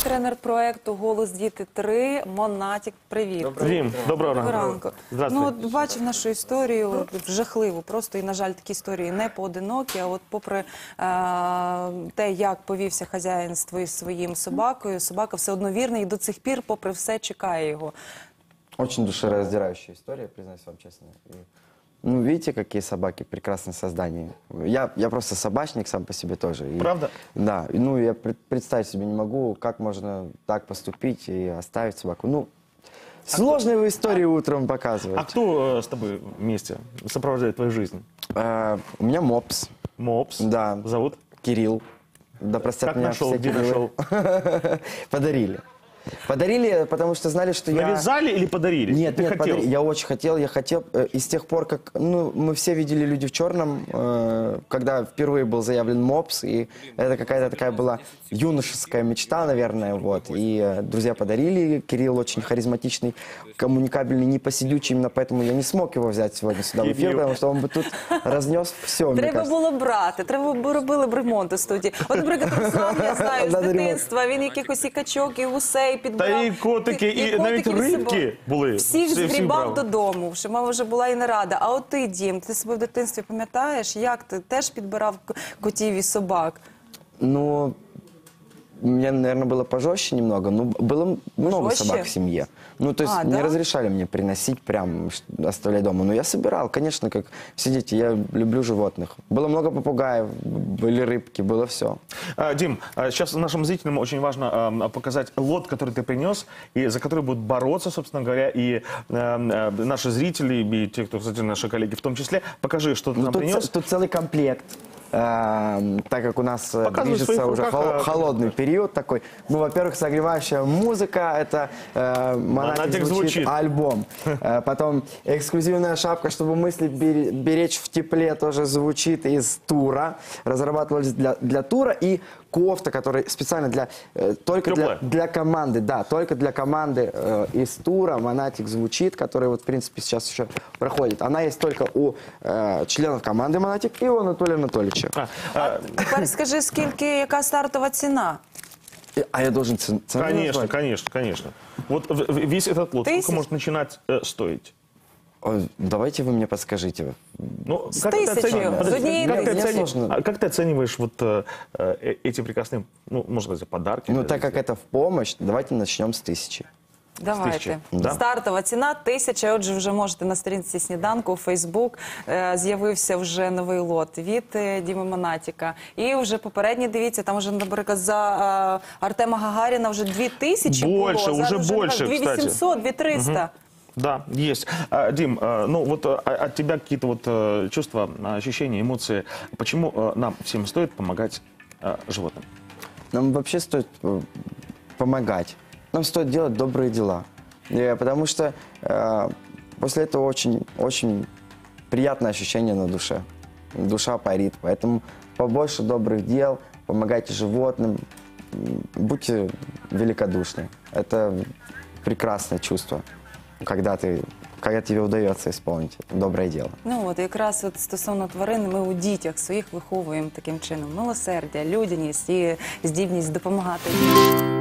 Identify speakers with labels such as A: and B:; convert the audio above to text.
A: тренер проекту «Голос діти 3» Монатік. Привіт.
B: Дім, доброго ранку.
A: Ну, от бачив нашу історію, жахливу просто, і, на жаль, такі історії не поодинокі, а от попри те, як повівся хазяїн з своїм собакою, собака все одно вірна і до цих пір, попри все, чекає його.
C: Очень душераздирающая история, признаюсь вам честно. Ну, видите, какие собаки, прекрасные создания. Я просто собачник сам по себе тоже.
B: Правда?
C: Да. Ну, я представить себе не могу, как можно так поступить и оставить собаку. Ну, сложные вы истории утром показываете.
B: А кто с тобой вместе сопровождает твою жизнь?
C: У меня мопс.
B: Мопс.
C: Да.
B: Зовут?
C: Кирилл. Да простят
B: Как
C: меня
B: нашел,
C: все
B: где
C: Кириллы.
B: нашел?
C: Подарили. Подарили, потому что знали, что я...
B: Навязали или подарили?
C: Нет,
B: Ты
C: нет,
B: хотел?
C: подарили. Я очень хотел, и с тех пор, как, ну, мы все видели «Люди в черном», когда впервые был заявлен мопс, и это какая-то такая была юношеская мечта, наверное, вот, и друзья подарили. Кирилл очень харизматичный, коммуникабельный, непосидючий, именно поэтому я не смог его взять сегодня сюда в эфир, потому что он бы тут разнес все, мне
A: Треба
C: кажется.
A: було брати, треба б робили б ремонт у студії. От, наприклад, Руслан, я знаю, з
C: Надо ремонт.
A: дитинства, він якихось і качок, і гусей підбирав.
B: Та і котики, і навіть
A: котиків з
B: рибки
A: собою.
B: були.
A: Всіх
B: Всі
A: згрібав
B: брав.
A: додому, що мама вже була і не рада. А от ти, Дім, ти себе в дитинстві пам'ятаєш, як ти теж підбирав котів і собак?
C: Ну, у меня, наверное, было пожестче немного, но было много
A: Пожестче?
C: собак в семье. Ну, то есть не
A: да?
C: разрешали мне приносить, прям оставлять дома. Но я собирал, конечно, как все дети, я люблю животных. Было много попугаев, были рыбки, было все.
B: Дим, сейчас нашим зрителям очень важно показать лот, который ты принес, и за который будут бороться, собственно говоря, и наши зрители, и те, кто, кстати, наши коллеги в том числе. Покажи, что ты нам принес.
C: Тут целый комплект. Так как у нас движется уже холодный период такой. Ну, во-первых, согревающая музыка, это «Монатик звучит» альбом. Потом эксклюзивная шапка, чтобы мысли беречь в тепле, тоже звучит из тура. Разрабатывались для тура. И кофта, которая специально только для команды, да, только для команды из тура «Монатик звучит», который вот, в принципе, сейчас еще проходит. Она есть только у членов команды «Монатик» и у Анатолия Анатольевича.
A: Тепер скажи, яка стартова ціна?
C: А я должен цену
B: Конечно,
C: назвать?
B: конечно. Вот весь этот лот, сколько может начинать стоить?
C: Давайте вы мне подскажите.
B: Ну,
A: С
B: как ты
A: тысячи,
B: оцениваешь-
A: с
B: подожди,
A: одной
B: как ты
A: тысячи.
B: оцениваешь- как ты оцениваешь вот эти прекрасные, ну, можно сказать, подарки?
C: Ну, так как это в помощь, давайте начнем с 1000.
A: Давайте.
B: тисячі, да?
A: Стартова ціна 1000. Отже, вже можете на сторінці «Сніданку» у Фейсбук. З'явився вже новий лот від Діми Монатіка. І вже попередній, дивіться, там вже, наприклад, за Артема Гагаріна вже 2000
B: Больше,
A: було.
B: уже
A: Зараз
B: больше,
A: 2800, 2300.
B: Да, есть. Дим, ну вот от тебя какие-то вот чувства, ощущения, эмоции. Почему нам всем стоит помогать животным?
C: Нам вообще стоит помогать. Нам стоит делать добрые дела. Потому что после этого очень приятное ощущение на душе. Душа парит. Поэтому побольше добрых дел, помогайте животным, будьте великодушны. Это прекрасное чувство, когда тебе удается исполнить доброе дело.
A: Ну от якраз от стосовно тварин ми у дітях своїх виховуємо таким чином милосердя, людяність і здібність допомагати.